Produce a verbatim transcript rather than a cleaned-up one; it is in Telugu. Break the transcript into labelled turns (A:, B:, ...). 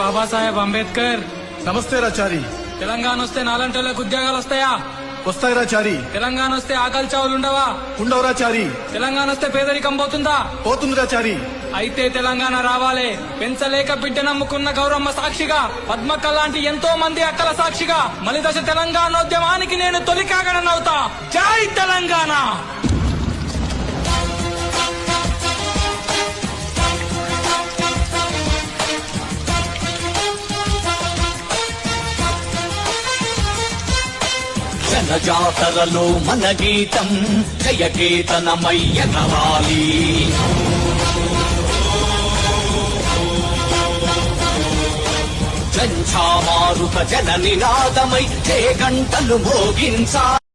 A: బాబాసాహెబ్ అంబేద్కర్.
B: నమస్తే రాచారి.
A: తెలంగాణ వస్తే నాలంటోళ్ళకి ఉద్యోగాలు వస్తాయా?
B: వస్తాయి రాచారి.
A: తెలంగాణ వస్తే ఆకలి చావులు ఉండవా?
B: ఉండవు రాచారి.
A: తెలంగాణ వస్తే పేదరికం పోతుందా?
B: పోతుంది రాచారి.
A: అయితే తెలంగాణ రావాలే. పెంచలేక బిడ్డ నమ్ముకున్న గౌరమ్మ సాక్షిగా, పద్మక్క లాంటి ఎంతో మంది అక్కల సాక్షిగా మలిదశ తెలంగాణోద్యమానికి నేను తొలి కాగడనవుతా. జై తెలంగాణ.
C: జనజాతరలో మన గీతం జయకేతనమయ్యగవాలి. జంఝామారుత జన నినాదమై జయ గంటలు మోగించా.